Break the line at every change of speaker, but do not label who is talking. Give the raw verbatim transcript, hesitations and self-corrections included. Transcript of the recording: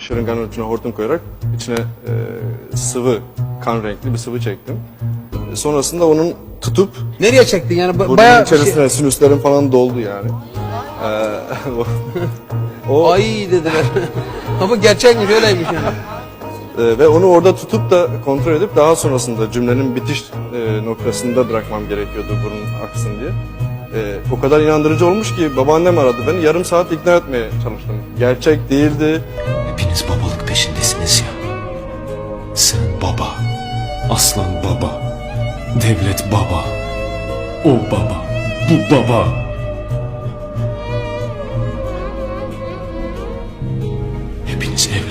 şırınganın içine hortum koyarak içine e, sıvı, kan renkli bir sıvı çektim. E, sonrasında onun tutup
Nereye çektin yani? Ba-
burnunun
Bayağı
içerisine
şey...
sinüslerim falan doldu yani. E, o, o
Ay dediler. Ama gerçekmiş, öyleymiş yani.
e, ve onu orada tutup da kontrol edip daha sonrasında cümlenin bitiş e, noktasında bırakmam gerekiyordu burun aksın diye. E, o kadar inandırıcı olmuş ki babaannem aradı beni, yarım saat ikna etmeye çalıştım. Gerçek değildi.
Hepiniz babalık peşindesiniz ya. Sen baba, Aslan baba, Devlet baba, o baba, bu baba. Hepiniz evlat.